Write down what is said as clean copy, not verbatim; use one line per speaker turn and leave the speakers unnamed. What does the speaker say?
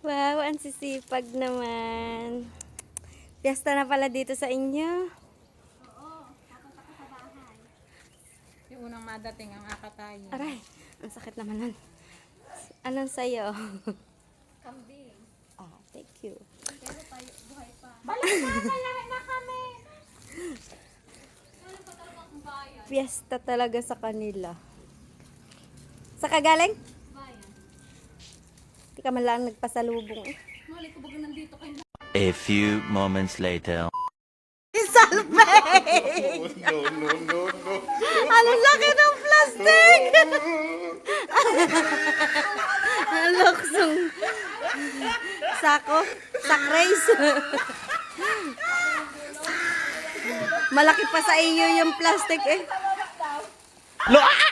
Wow, ang sisipag naman. Piyesta na pala dito sa inyo.
Yung unang madating ang akatayin.
Aray, ang sakit naman nun. Anong sayo?
Kambing.
Ah, thank you.
Pero tayo, buhay pa. Balik na kami! Ano pa talaga ang bayan?
Piyesta talaga sa kanila. Sa kagaling?
Bayan.
Di ka man lang nagpasalubong eh.
Mali ko baga nandito kayo.
A few moments later.
Isalpe!
No.
Ano laki ng plastic! Ang luksong sako, sack race. Malaki pa sa iyo yung plastic eh.